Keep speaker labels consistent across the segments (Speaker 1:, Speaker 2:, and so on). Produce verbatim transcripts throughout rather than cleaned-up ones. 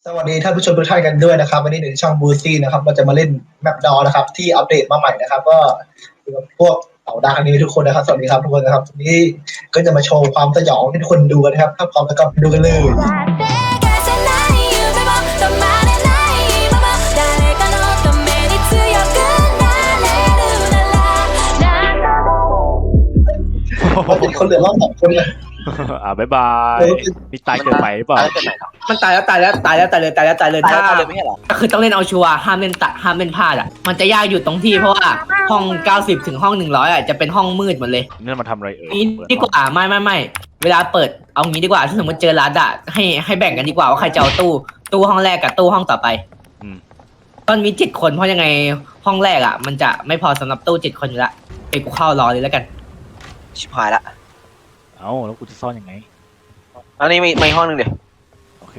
Speaker 1: สวัสดีท่านผู้ชมทุกท่านกันด้วยนะครับวันนี้ในช่องบูซี่นะครับเราจะมาเล่นแมปดอนะครับที่อัปเดตมาใหม่นะครับก็อยู่กับพวกเต่าดาวนี้ทุกคนนะครับสวัสดีครับทุกคนนะครับวันนี้ก็จะมาโชว์ความสยองให้ทุกคนดูกันนะครับถ้าพร้อมแล้วก็ไปดูกันเลยเราจะมีคนเหลือรอบสองคนเลย
Speaker 2: อ่าบ๊ายบายนี่ตายเกินไปหรือเปล่า
Speaker 3: มันตายแล้วตายแล้วตายแล้วตายเลยตายแล้วตายเลย
Speaker 4: ตาย
Speaker 3: ถ้า
Speaker 4: แล้วตายเลยไม่ใช่เหรอ
Speaker 3: คือต้องเล่นเอาชัวร์ห้ามเล่นตะห้ามเล่นพลาดอ่ะมันจะยากอยู่ตรงที่เพราะว่าห้องเก้าสิบถึงห้องหนึ่งร้อยอ่ะจะเป็นห้องมืดหมดเลย
Speaker 2: นี่มาทำอะไรเอ่ย
Speaker 3: นี้ดีกว่าไม่ไม่ไม่เวลาเปิดเอางี้ดีกว่าถ้าสมมติเจอรัดอ่ะให้ให้แบ่งกันดีกว่าว่าใครจะเอาตู้ตู้ห้องแรกกับตู้ห้องต่อไปตอนมีเจ็ดคนเพราะยังไงห้องแรกอ่ะมันจะไม่พอสำหรับตู้เจ็ดคนอยู่ละไปกูเข้ารอเลยแล้วกัน
Speaker 4: ชิบหายละ
Speaker 2: เอ้าแล้วกูจะซ่อนยังไง
Speaker 4: อันนี้มีมีห้องหนึ่งเดี๋ยว
Speaker 2: โอเค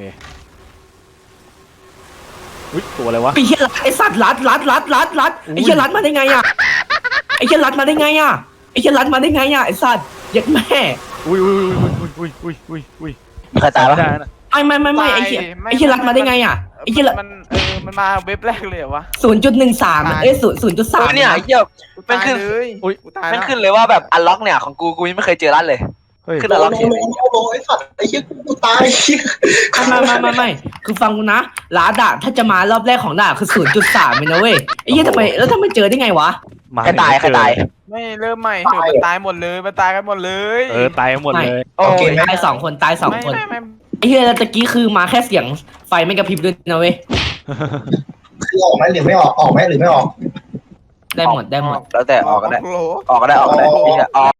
Speaker 2: อุ้ยตัวอะไรวะ
Speaker 3: ไอ้เหี้ยรัดไอ้สัตว์รัดรัดรัดรัดรัดไอ้เหี้ยรัดมาได้ไงอ่ะไอ้เหี้ยรัดมาได้ไงอ่ะไอ้เหี้ยรัดมาได้ไงอ่ะไอ้สัตว์เย็ดแม่
Speaker 2: อุ้ยอุ้ยอุ้ยอุ้ยอุ้ยอุ้ยอุ้ย
Speaker 4: ใครตาย
Speaker 2: ไม่
Speaker 4: วะ
Speaker 2: ได้นะ
Speaker 3: ไม่ไม่ไม่ไม่ไอ้เหี้ยไอ้เหี้ยรัดมาได้ไงอ่ะไอ้เหี้ยรัด
Speaker 5: มันเออมันมาเว็บแรกเลยเหรอวะ
Speaker 3: ศูนย์จุดหนึ่งสามเอ้ยศูนย์ศูนย์จุดสาม
Speaker 4: โอ้ยเนี่ยไอ้เหี้ย
Speaker 5: กู
Speaker 4: มัน
Speaker 5: ตาย
Speaker 4: ขึ้น
Speaker 5: เลยกูตาย
Speaker 4: มัน
Speaker 5: แล้ว
Speaker 4: ขึ้นเลยว่าแบบอันล็อกเนี่ยของกูกูยังไม่เคยเจอร้านเลย
Speaker 2: เฮ้ย
Speaker 4: ขึ้น
Speaker 1: โล
Speaker 4: อันล็อก
Speaker 1: โล
Speaker 4: เฉย
Speaker 1: โลโลไอ้สัตว์ไอ้เหี้ยกูตายไอ้เหี้ย
Speaker 3: ไม่ไม่ไม่ไม่คือฟังกูนะรัดอะถ้าจะมารอบแรกของด่าคือศูนย์จุดสามเลยนะเว้ยไอ้เหี้ยทำไมแล้วทำไมเจอได้ไงวะ
Speaker 2: มา
Speaker 4: ใครตายใครตาย
Speaker 5: ไม่เริ่มใหม่เถอะมันตายหมดเลยมันตายกันหมดเลย
Speaker 2: เออตายหมดเลย
Speaker 4: โอ้ย
Speaker 3: ตายสองคนตายสอง
Speaker 5: ไม่
Speaker 3: คน
Speaker 5: ไม่ไม่
Speaker 3: ไอ้เหี้ยแล้วตะกี้คือมาแค่เสียงไฟไม่กระพริบด้วยนะเว้ย
Speaker 1: คือออกไหมหรือไม่ออกออกไหมหรือไม่ออก
Speaker 3: ได้หมดได้หมด
Speaker 4: แล้วแต่ออกก็ได้
Speaker 5: โโห
Speaker 4: ออกก็ได้ออกก็ได้พี่จะออก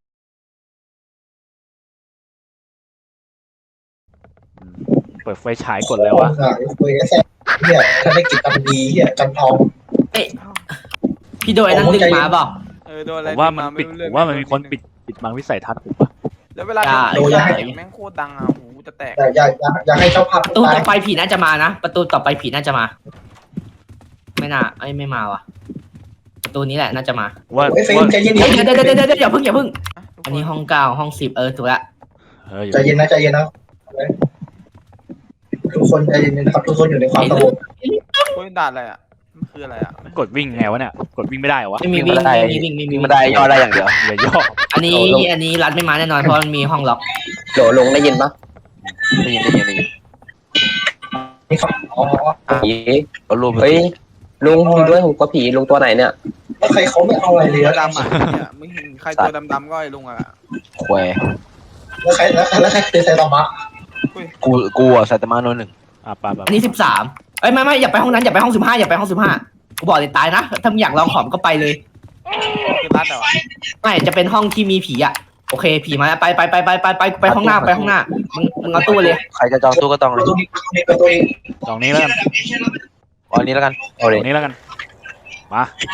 Speaker 2: เปิดไฟฉายกดแล้ววะ
Speaker 1: คุยกันแซ่เนี่ยถ้าได้กินกันดีเหี้ยกันทอง
Speaker 3: เอ้ยพี่โดยนั่นดึงมาบอก
Speaker 5: เออโดนอะ
Speaker 2: ผ
Speaker 5: ไร
Speaker 2: มว่ามันปิด
Speaker 5: ไรู้
Speaker 2: ผ
Speaker 5: เรื่อง
Speaker 2: มว่ามันมีคนปิดปิดบังวิสัยทัศน์ผมปะ
Speaker 5: แล้วเวลา
Speaker 3: อย่า
Speaker 5: โดน
Speaker 3: อย่า
Speaker 5: เสียงแม่งโคตรดังอ่ะหูจะแตก
Speaker 1: แต่อย่าอย่าอย่าให้เจ้าภาพ
Speaker 3: ประตู
Speaker 1: ตาย
Speaker 3: ต่อไปผีน่าจะมานะประตูต่อไปผีน่าจะมา ไม่น่าไอ้ยไม่มาว่ะประตูนี้แหละน่าจะมา
Speaker 2: ว่า
Speaker 1: ไอ้เฟรม
Speaker 2: ว่า
Speaker 1: ใจเย็น
Speaker 3: เดี๋ยวเดี๋ยวเดี๋ยวเดี๋ยวเดี๋ยวอย่าเพิ่งอย่าเพิ่ง
Speaker 5: ะทุกค
Speaker 3: อันนี้ห้องเก้าห้องสิบเออถูกละ
Speaker 2: เอออยู่
Speaker 1: ใจเย็นนะใจเย็นนะทุกคนใจเย็นนะครับทุกคนอยู่ในความสงบ
Speaker 5: โอ้ยด่าอะไรอ่ะมันคืออะไรอ่ะ
Speaker 2: กดวิ่งไงวะเนี่ยกดวิ่งไม่ได้เหรอวะ
Speaker 3: ไม่มีวิ่งไม่มีวิ่งไม่มี
Speaker 4: มี
Speaker 3: วิ่ง
Speaker 4: บันไดย่อได้อย่างเดียว
Speaker 2: อย่าย่อ
Speaker 3: อันนี้อันนี้รัดไม่มาแน่นอนเพราะมันมีห้องล็อก
Speaker 4: โหลลงได้ยินปะได้ยินได้ยินได้ยิน
Speaker 1: นี่ครับอ๋อ
Speaker 4: ผีเอารูปเฮ้ยลุงมีด้วยหูก็ผีลุงตัวไหนเนี่ย
Speaker 1: แล้วใครเขาไม่เอาอะไรเลย
Speaker 5: ตัว
Speaker 1: แล้ว
Speaker 5: ดำอ่ะเนี่ยมึงเห็นใครตัวดำๆก็ไอ้ลุงอ่ะ
Speaker 4: ควย
Speaker 1: ใครแล้วใครแล้วใครคือไซตามะ
Speaker 4: กูกูอ่ะไซตามะโนหนึ่ง
Speaker 2: อ่ะปะปะ
Speaker 3: อันนี้สิบสามเอ้ยไม่ไม่อย่าไปห้องนั้นอย่าไปห้องสิบห้าอย่าไปห้องสิบห้ากูบอกเลยตายนะถ้ามึงอยากลองของก็ไปเลย
Speaker 5: คือรัดเหรอ
Speaker 3: ไม่จะเป็นห้องที่มีผีอ่ะโอเคผีมาแล้วไปไปไปไปไปไปไปห้องหน้าไปห้องหน้ามึงมึงเอาตู้เลย
Speaker 4: ใครจะจองตู้ก็จองเลย
Speaker 1: ตัวนี้ตัวนี้
Speaker 2: ตรงนี้แล้วกัน
Speaker 4: เอาอันนี้แล้วกันเอาเล
Speaker 2: ต
Speaker 4: ย
Speaker 2: รงนี้แล้วกันมา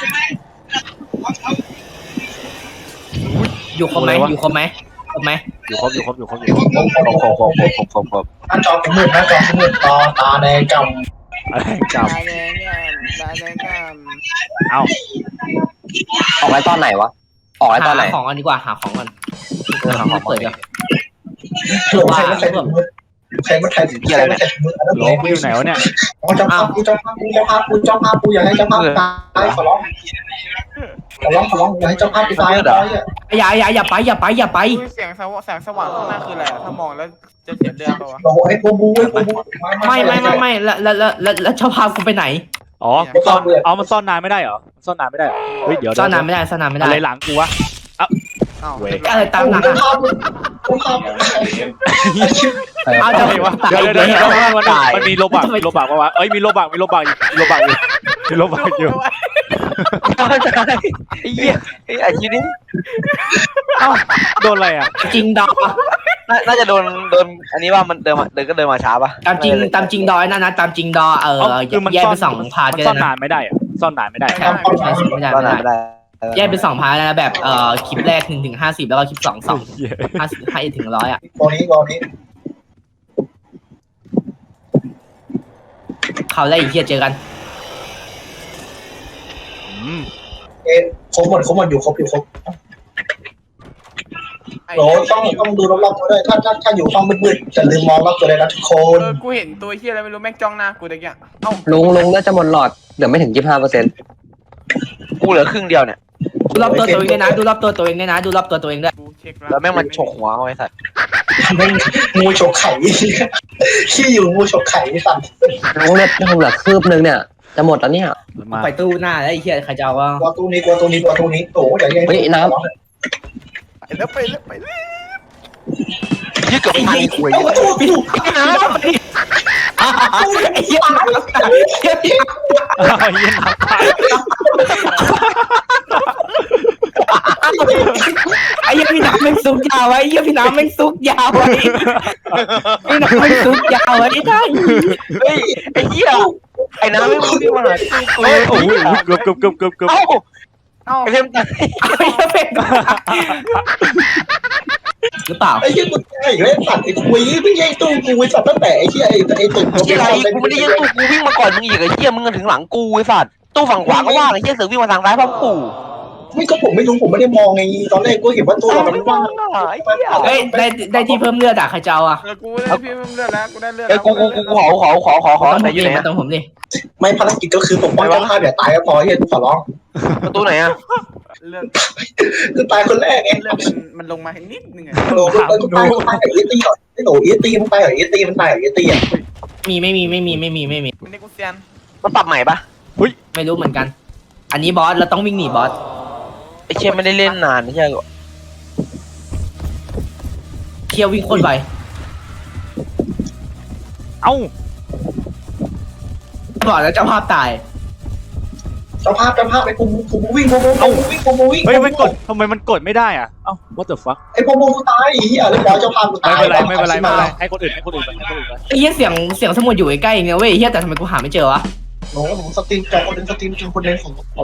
Speaker 3: อยู่ครบไหมอยู่ครบไหมครบไหม
Speaker 2: อยู่ครบอยู่ครบอยู่ครบอยู่ครบ
Speaker 4: ครบครบครบครบครบครบครบ
Speaker 1: หน้าจอเป็นมืดหน้าจอเป็นมืดตาตาแดงก
Speaker 2: อะไรจับ
Speaker 5: ตายแดงเนี่ยตายแดงก็
Speaker 2: เอา
Speaker 4: ออกไว้ตอนไหนวะออกไว้ตอนไหน
Speaker 3: หาของกันดีกว่าหาของกันหาของเปิดเดี๋ยว
Speaker 1: ำหลงใครไม่ใครถึงมืดใครไม่ใครถึงใครไม่ใครถึงมืดอันนั้น
Speaker 2: โลกูอยู่ไหนวะเนี่ย
Speaker 1: อ๋อเจ้าภาพกูเจ้าภาพกูเจ้าภาพกูเจ้าภาพกูอย่าให้เจ้าภาพตายขอร้องขอร้องขอร้องอย่าให้เจ้าภาพตายตายอ่ะ
Speaker 3: อย่าอย่าอย่าไปอย่าไปอย่าไป
Speaker 5: อุ้ยเสียงสว่างแสงสว่างข้างหน้าคืออะไรอะถ้ามองแล้วจะเสียเดือนปะวะ
Speaker 1: โอ้ไอ้โบบูไอ้โบบู
Speaker 3: ไม่ไม่ไม่ไม่แล้วแล้วแล้วแล้วแล้วเจ้าพากูไปไหน
Speaker 2: อ๋อซ่อนเอามันซ่อนนานไม่ได้เหรอซ่อนนานไม่ได้เหรอเฮ้ยเดี๋ยว
Speaker 3: ซ่อนนานไม่ได้ซ่อนนานไม่ได้
Speaker 2: อะไรหลังกูวะ
Speaker 5: อ้าว
Speaker 2: เว้ย
Speaker 3: อะไรตามหลัง
Speaker 1: เจ้า
Speaker 3: อะ
Speaker 1: ภาพเจ้าภาพ
Speaker 3: เอา
Speaker 2: อะ
Speaker 3: จะ
Speaker 2: ไรวะเดี๋ยวเดี๋ยวเดี๋ยวมันมันมีโลบักมีโลบักปะวะเอ้ยมีโลบักมีโลบักมีโลบักอยู่มีโลบักอยู่
Speaker 4: ไอ้เหี้ยไอ้อาชีพนี้
Speaker 2: เอ้าโดนอะไรอ่ะ
Speaker 3: จริงดอ
Speaker 4: น่าจะโดนโดนอันนี้ว่ามันเดินมาเดินก็เดินมาช้าปะ
Speaker 3: ตามจริงตามจริงดอยนั่นนะตามจริงดอเออ
Speaker 2: เอ้าคือมัน
Speaker 3: แยก
Speaker 2: ซ่อน
Speaker 3: เป็นสองพาร์ท
Speaker 2: มัน
Speaker 3: ก็
Speaker 2: ซ่อน
Speaker 3: ได้
Speaker 2: นา
Speaker 3: นะ
Speaker 2: นไม่ได้อะซ่อนนานไม่ได้
Speaker 3: ใช่ไม่ได้
Speaker 4: ก็
Speaker 3: ไม่
Speaker 4: นาน
Speaker 3: ได้
Speaker 4: ไม่ได้
Speaker 3: แยกเป็นสองพาร์ทนะแบบเอ่อคลิปแรกหนึ่งถึงห้าสิบแล้วก็คลิปสองสองห้าสิบห้าถึงร้อยอ่ะ
Speaker 1: ตอนนี้ตอนนี้
Speaker 3: เขาวแรกอีกทีเจอกัน
Speaker 2: อืม
Speaker 1: เอ๊ะครบหมดครบหมดอยู่ครบอยู่ครบ
Speaker 5: ไอ้
Speaker 1: โหต้องต้องดูรอบๆตัวด้วยถ้าถ้าถ้าอยู่ห้องมืดๆจะลืมมองรอบตัวเลยนะทุกคน
Speaker 5: เออกูเห็นตัวเฮียอะไรไม่รู้แม่งจ้องหน้ากูตะกี้เอ้า
Speaker 4: ลุงลุงน่าจะหมดหลอดเหลือไม่ถึงยี่สิบห้าเปอร์เซ็นต์กูเหลือครึ่งเดียวเนี่ย
Speaker 3: ดูรอบตัวตัวเองด้วยนะดูรอบตัวตัวเองด้วยนะดูรอบตัวตัวเองด้วย
Speaker 5: กูเช็ค
Speaker 4: แล้วแม่งมันฉกหัวเอาไอ้สัตว์
Speaker 1: แม่งงูฉกไข่ขี้อยู่งูฉกไข่ไม่สั่น
Speaker 4: ลุงเนี่ยลุงเหลือคืบนึงเนี่ยจะหมดแล้วเนี่ย
Speaker 2: มันมา
Speaker 3: ไปตู้หน้าแล้วไอ้เหี้ยใครจะเอาวะ
Speaker 1: กลัวตู้นี้กลัวตู้นี้กลัวตู้นี้โอ้ยอย่างเงี้ย
Speaker 4: เฮ้ยน้
Speaker 5: ไปแล้วไปแล้วไปแล้ว
Speaker 4: ยืดกับพันหวย
Speaker 1: โอ้โหพี่ดู
Speaker 3: น้ำไอ้เหี้ยน้ำ
Speaker 2: อ้าวเหี้ยน้ำตาย
Speaker 3: ไอ้เหี้ยพี่น้ำแม่งซุกยาวไว้ไอ้เหี้ยพี่น้ำแม่งซุกยาวไว้พี่น้ำแม่งซุกยาวไว้ที่ท่าน
Speaker 4: เฮ้ยไอ้เหี้ยไอ้น้ำไม่รู้ที่มันหากู
Speaker 2: โอ้ยโอ้ยเกือบเกือบเกือบเกือบเกือบ
Speaker 4: เอ้า
Speaker 5: เอ้า
Speaker 4: ไอ้เพิ่มตาย
Speaker 3: ไอ้เหี้ยเป็นหรือเปล่า
Speaker 1: ไอ้เหี้ยกูไอ้เล่นสัตว์ไอ้คุยไม่ใช่ตู้กูไอ้สัตว์ตั้งแต่ไอ้เหี้ยไอ้ไอ้ตึก
Speaker 4: เหี้ยอะไรกูไม่ได้ยิงตู้กูวิ่งมาก่อนมึงอีกไอ้เหี้ยมึงถึงหลังกูไอ้สัตว์ตู้ฝั่งขวาก็ว่างไอ้เหี้ยเสือวิ่งมาทางซ้ายพร้อมกู
Speaker 1: ไม่ก็ผมไม่รู้ผมไม่ได้มองไงตอนแรกกูเห็นว่าตู้เรามันว่าง
Speaker 3: เฮ้ยได้ได้ที่เพิ่มเลือดอ่ะใครจะเอาอ่ะ
Speaker 5: แล้วกูได้พี่เลือดแล้วกูได้เลือด
Speaker 4: เอ้ยกูกูกูขอขอขอขอขอ
Speaker 3: ต้อง
Speaker 4: ไหน
Speaker 3: ผม
Speaker 4: อยู่
Speaker 3: ดิ
Speaker 4: ไหน
Speaker 3: มาต้องผมดิ
Speaker 1: ไม่ภารกิจก็คือปกป้องเจ้าภาพอย่าตายก็พอเฮียกูขอร้อง
Speaker 4: ประตูไหนอ่ะ
Speaker 5: เลือด
Speaker 1: คือตายคนแรกไง
Speaker 5: เลือดมันมันลงมาให้นิดนึงอะ
Speaker 1: โหนูกูตายกูตายกับเอตีก่อนไอ้หนูเอตีมันตายกับเอตีมันตายกับเอตีอ่ะ
Speaker 3: มีไม่มีไม่มีไม่มีไม่มี
Speaker 5: มันนี่กูเซียน
Speaker 4: มันปรับใหม่ปะ
Speaker 3: ไม่รู้เหมือนกัน อันนี้บอสเราต้องวิ่งหนีบอส
Speaker 4: ไอ้เชี่ยไม่ได้เล่นนานใช่ไหม
Speaker 3: เที่ยววิ่งโคตรไว
Speaker 2: เอ้า
Speaker 3: บอกแล้วเจ้าภาพตาย
Speaker 1: เจ้าภาพเจ้าภาพไอ้กูกูวิ่งกูกูวิ่งกูกูวิ่ง
Speaker 2: เฮ้ยมันกดทำไมมันกดไม่ได้อ่ะเอ้า what the fuck
Speaker 1: ไอ้พวกมึงกูตายเฮียเรียบร้อยเจ้าภาพกู
Speaker 2: ไม่
Speaker 1: ตาย
Speaker 2: เป็นไรไม่เป็นไรไม่เป็นไรให้คนอื่นให้คนอื่นไปให้คนอื่นไป
Speaker 3: ไอ้เหี้ยเสียงเสียงสมุดอยู่ใกล้ๆเองเนี่ยเว้ยเหี้ยแต่ทำไมกูหาไม่เจอวะ
Speaker 1: หนูหนูสตรีมจอคนนึงสตรีมจอคนนึงของของ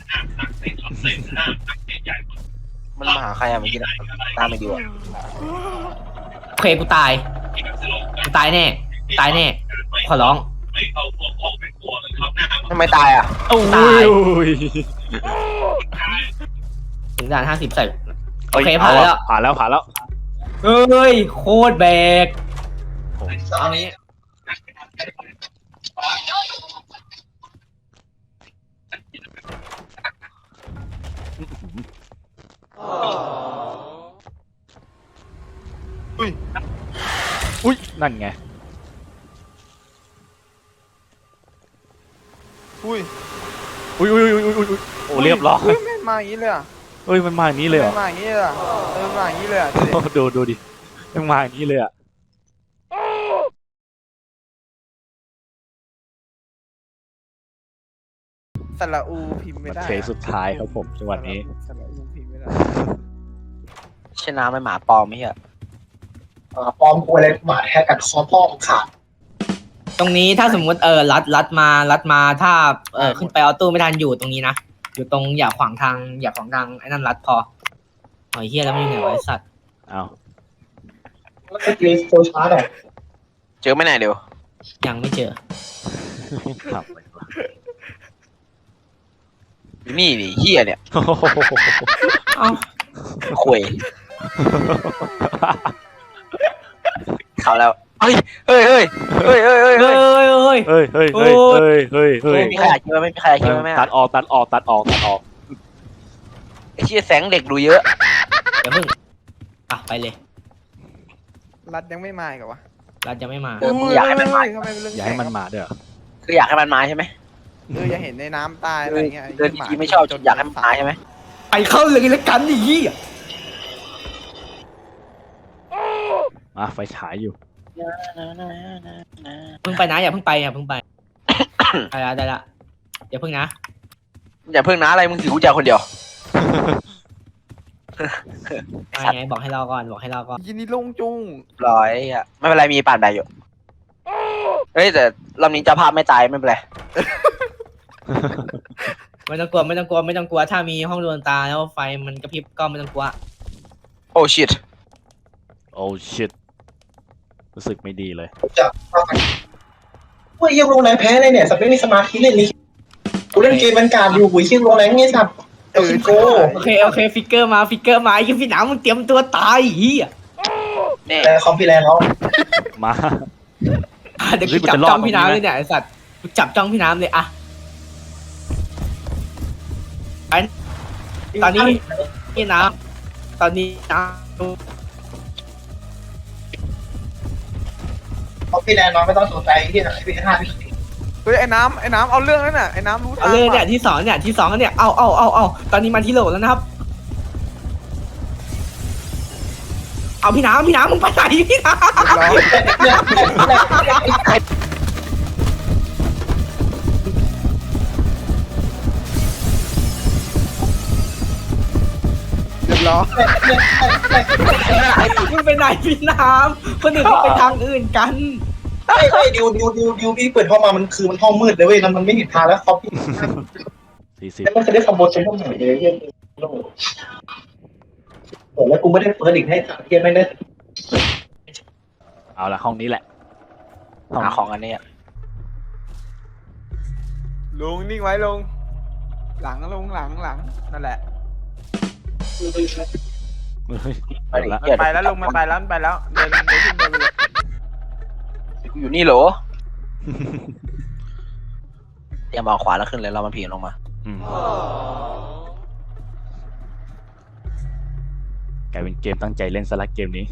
Speaker 4: มันมาหาใครอะเมื่อกี้นะตามไปดีกว่า
Speaker 3: โอเคกูตายกูตายแน่ตายแน่ขอร้อง
Speaker 4: ทำไมตายอ่ะ
Speaker 2: โอ้ย
Speaker 3: ถึงด่านห้าสิบใส่โอเคผ่านแล้ว
Speaker 2: ผ่านแล้วผ่านแล้ว
Speaker 3: เฮ้ยโคตรแบก
Speaker 1: อันนี้
Speaker 2: อุ้ยนั่นไง
Speaker 5: อุ้ย
Speaker 2: อุ้ยอุ้ยอุ้ยอุ้ยอุ้ยโอ้เรียบร้อย
Speaker 5: เฮ้ยแม่งมาอย่างนี้เลยอ่ะ
Speaker 2: เฮ้ยมันมาอย่างนี้เลยเหรอ
Speaker 5: แม่งมาอย่างนี้เลยอ่ะเออมาอย่างนี้เลยอ่ะดูดิ
Speaker 2: ดูดูดิมันมาอย่างนี้เลยอ่ะ
Speaker 5: สระอูพิมพ์ไม่ได้
Speaker 2: เทสุดท้ายครับผมจังหวะนี้
Speaker 5: สระอูพิมพ์ไม่ได้
Speaker 4: ชนะไม่หมาปลอมไม่ใช่
Speaker 1: ปลอมกูอะไรหมาแฮกกัดคอพ่อขาด
Speaker 3: ตรงนี้ถ้าสมมติเออรัดรัดมารัดมาถ้าเออขึ้นไปเอาตู้ไม่ทันอยู่ตรงนี้นะอยู่ตรงอย่าขวางทางอย่าขวางทางไอ้นั่นรัดพอหอยเฮียแล้วมันอยู่ไหนวะไอ้สัตว์
Speaker 2: เอา
Speaker 1: แล้วก็ตีโซชาร์ดอ่ะ
Speaker 4: เจอไม่ไหนเดี๋ยว
Speaker 3: ยังไม่เจอ
Speaker 2: ครับ
Speaker 4: นี่ดิเฮียเนี่ย
Speaker 3: เอ้า
Speaker 4: คุยเขาแล้วเฮ้ยเฮ้ยเฮ้ยเฮ้ยเฮ้ยเฮ้ย
Speaker 3: เฮ้
Speaker 4: เฮ้
Speaker 3: ย
Speaker 4: ย
Speaker 3: เฮ้ยเฮ้ย
Speaker 2: เฮ้ยเฮ้ยเฮ้ยเฮ้ยเฮ้ยเฮ้ย
Speaker 4: ไม่มีใครคิดว่าไม่มีใครคิดว่าไม่
Speaker 2: ตัดออกตัดออกตัดออกตัดออก
Speaker 4: ไอ้เชี่ยแสงเด็กดูเยอะ
Speaker 3: เดี๋ยวเพิ่งอ่ะไปเลย
Speaker 5: รัดยังไม่มาอีกเหรอวะ
Speaker 3: รัดยังไม่มา
Speaker 4: เออมึงอยากให้มันมา
Speaker 5: ทำไมเป็นเรื่อง
Speaker 2: อย่าให้มันมาเด้อ
Speaker 4: คืออยากให้มันมาใช่ไหม
Speaker 5: เอออย่าเห็นในน้ำตายอะไรเงี้ย
Speaker 4: เดินดีๆไม่ชอบอยากให้มันมาใช่ไหม
Speaker 3: ไปเข้าเลยแล้วกันดิยี่
Speaker 2: มาไฟฉายอยู่
Speaker 3: เพิ่งไปนะอย่าเพิ่งไปอย่าเพิ่งไปได้ละได้ละอย่าเพิ่งนะ
Speaker 4: อย่าเพิ่งนะอะไรมึงถือกุญแจคนเดียว
Speaker 3: ไปไงบอกให้รอก่อนบอกให้รอก่อน
Speaker 5: ยินดีลงจุง
Speaker 4: ร้อยอ่ะไม่เป็นไรมีป่านใดอยู่เฮ้ยแต่รอบนี้เจ้าภาพไม่ตายไม่เป็นไร
Speaker 3: ไม่ต้องกลัวไม่ต้องกลัวไม่ต้องกลัวถ้ามีห้องดวงตาแล้วไฟมันกระพริบก็ไม่ต้องกลัว
Speaker 4: โอ้ชิต
Speaker 2: โอ้ชิตรู้สึกไม่ดีเลย
Speaker 1: จะเฮ้ยยังลงแรงแพ้เลยเนี่ยสเปนนี่สมาธิเล่นนี้กูเล่นเกมบรรการอยู่กูยิ่งลงแรงไงสัตว์เออโก้
Speaker 3: โอเคโอเคฟิกเกอร์มาฟิกเกอร์มาไอ้พี่หนาวมึงเตรียมตัวตายเฮีย
Speaker 4: เนี่ย
Speaker 1: แต่คอมพี่แรงเขา
Speaker 2: มา
Speaker 3: เดี๋ยวกูจับจ้องพี่น้ำเลยเนี่ยไอ้สัตว์กูจับจ้องพี่น้ำเลยอะไอ้ตอนนี้พี่น้ำตอนนี้น้
Speaker 1: คอมพี่แรงน้องไม่ต้องสนใจที่ไหนพี่ห้าพี่
Speaker 5: เฮ้ยไอ้น้ำไอ้น้ำเอาเรื่องนั่นน่ะไอ้น้ำรู้
Speaker 3: ำ
Speaker 5: ทา
Speaker 3: เอา
Speaker 5: ง
Speaker 3: เลยเนี่ย
Speaker 5: ว่ะ
Speaker 3: ที่สองเนี่ยที่สองเนี่ยเอาเอาเอาเอาตอนนี้มาที่โหลแล้วนะครับ เอาพี่น้ำพี่น้ำมึงไปไหนพี่น้ำ
Speaker 5: เรียบร้อย
Speaker 3: มึงไปไหนพี่น้ำคนอื่นเขาไปทางอื่นกัน
Speaker 1: ไอ้ไอ้ดิวดิวดิวดิวพี่เปิดห้องมามันคือมันห้องมืดเลยเว้ยมันไม่เห็นทางแล้วคอมพี่
Speaker 2: สี่สิบ
Speaker 1: แล้วมันจะได้คอมโบเซ็นต์ห้องไหนเลยเฮียโอ้โหแล้วกูไม่ได้เปิดอีกให้เฮียไม่ได้
Speaker 2: เอาละห้องนี้แหละห้อง
Speaker 4: หาของอันนี้
Speaker 5: ลุงนิ่งไว้ลงหลังลงหลังหลังนั่นแหละ
Speaker 2: เฮ้ย
Speaker 4: ไปดิ
Speaker 2: เอาละ
Speaker 4: เหี้ย
Speaker 5: ไปแล้วลุงมันไปแล้วมันไปแล้วเดินเดินขึ้นเดินไปเลย
Speaker 4: กูอยู่นี่เหรอเตรียมเอาขวาแล้วขึ้นเลยเรามันผีลงมา
Speaker 2: อืมกลายเป็นเกมตั้งใจเล่นสลักเกมนี้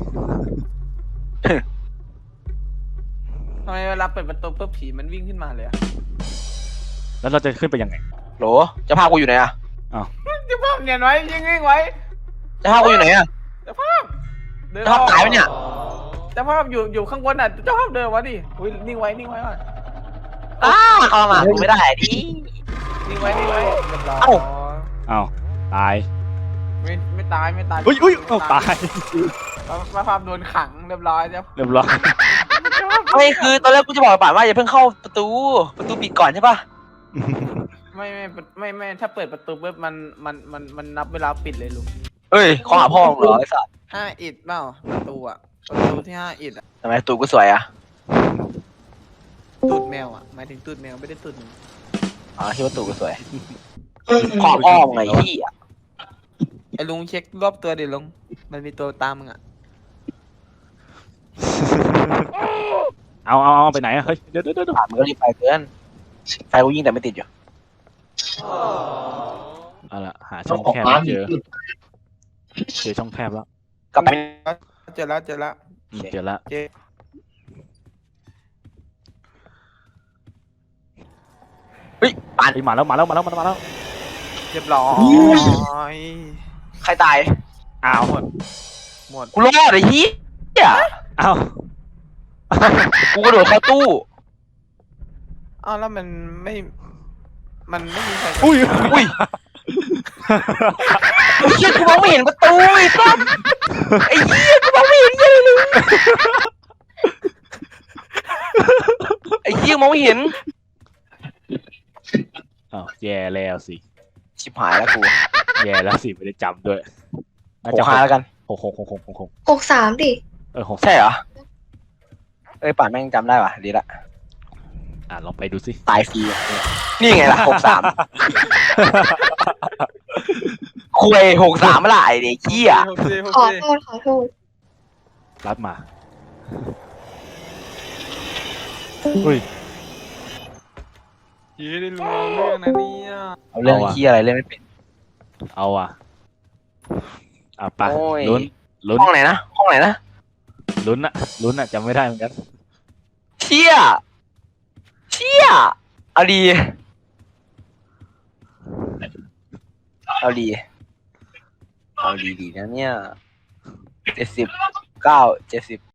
Speaker 5: ทำไมเวลาเปิดประตูปุ๊บผีมันวิ่งขึ้นมาเลยอะ
Speaker 2: แล้วเราจะขึ้นไปยังไง
Speaker 4: โหลเจ้าภาพกูอยู่ไหนอะ
Speaker 5: เจ้าภาพเนียนไว้ยิงยิงไว้
Speaker 4: เจ้าภาพกูอยู่ไหนอะ
Speaker 5: เจ้าภาพเดิน
Speaker 4: เจ้าภาพตายไหมเนี่ย
Speaker 5: เจ้าภาพอยู่อยู่ข้างบนน่ะเจ้าภาพเดินวะดิอุ้ยนิ่งไว้นิ่งไว้ก่อน
Speaker 4: อ้าเข้ามากูไม่ได้ดิ
Speaker 5: นิ่งไว้นิ่งไว้เรียบร้อย
Speaker 4: เอ้า
Speaker 2: เอ้าตาย
Speaker 5: ไม่ไม่ตายไม่ตาย
Speaker 2: อุ้ยอุ้ยเอ้าตาย
Speaker 5: เจ้าภาพโดนขังเรียบร้อยเจ้า
Speaker 2: เรียบร้อย
Speaker 4: ไม่คือตอนแรกกูจะบอกป่านว่าอย่าเพิ่งเข้าประตูประตูปิดก่อนใช่ปะ
Speaker 5: ไม่ไม่ไม่ไม่ถ้าเปิดประตูปุ๊บมันมันมันมันนับเวลาปิดเลยลุง
Speaker 4: เฮ้ยของหาพ่อมึงเหรอไอ้สัส
Speaker 5: ห้าอิดเปล่าประตูอะประตูที่ห้าอิดอะ
Speaker 4: ทำไมประตูกูสวยอะ
Speaker 5: ตูดแมวอะหมายถึงตูดแมวไม่ได้ตูดหนู
Speaker 4: อ๋อที่ประตูกูสวยขอบอ้อมไงที่อะ
Speaker 5: ไอ้ลุงเช็ครอบตัวดิลุงมันมีตัวตามมึงอะ
Speaker 2: เอาเอาเอาไปไหนอะเฮ้ยเดี๋ยวเดี๋ยวเดี๋ยว
Speaker 4: ผ่านมึงก็รีบไปเกินไฟกูยิงแต่ไม่ติดอยู่
Speaker 2: เอาละหาช่องแคบไม่เจอเจอช่องแคบแล้ว
Speaker 4: กลับไป
Speaker 5: เจอแล้วเจอแล้ว
Speaker 2: อืมเจอแล้ว
Speaker 5: เจอ
Speaker 4: เฮ้ยป่าน
Speaker 2: เฮ้ยมาแล้วมาแล้วมาแล้วมาแล้วมาแล้ว
Speaker 5: เรียบร้อย
Speaker 4: ใครตาย
Speaker 2: อ้าว
Speaker 5: หมด
Speaker 4: กูรอดไอ้เหี้ย
Speaker 2: อ้าว
Speaker 4: กูกระโดดเข้าตู้
Speaker 5: อ้าวแล้วมันไม่มันไม่มีใคร
Speaker 2: อุ้ย
Speaker 4: อุ้ยไอ้เหี้ยกูมองไม่เห็นประตูไอ้สัสไอ้เหี้ยกูมองไม่เห็นเหี้ยอะไรเลยไอ้เหี้ยมองไม่เห็น
Speaker 2: อ้าวแย่แล้วสิ
Speaker 4: ชิบหายแล้วกู
Speaker 2: แย่แล้วสิไม่ได้จำด้วยน่า
Speaker 4: โห
Speaker 2: จะ
Speaker 4: หาแล้วกัน
Speaker 2: หกหกหกหกหกหก
Speaker 6: หกสามดิ
Speaker 2: เออหก
Speaker 4: ใช่เหรอเอ้ยป่านแม่งจำได้ป่ะดีละ
Speaker 2: อ่ะลองไปดูสิ
Speaker 4: ตายฟรีอะนี่ไงล่ะหกสามคุยหกสามเมื่อไหร่เด็กเหี้ย
Speaker 5: โอเคโอ
Speaker 6: ขอ
Speaker 5: เค
Speaker 6: โทษขอโทษ
Speaker 2: รับมาอุ้ย
Speaker 5: เย้ได้รู้เรื่องนะเนี่ย
Speaker 4: เอาเรื่อง
Speaker 2: เอาอะ
Speaker 4: เหี้ยอะไรเล่นไม่เป็น
Speaker 2: เอาอ่ะอ่ะไป
Speaker 4: โอ้ย
Speaker 2: ลุ้นลุ้น
Speaker 4: ห้องไหนนะห้องไหนนะ
Speaker 2: ลุ้นอะลุ้นอะจำไม่ได้เหมือนกัน
Speaker 4: เชี่ยเชี่ยเอาดีเอาดีเอาดีดีนะเนี่ยเจ็ดสิบเก้าเจ็ดสิบ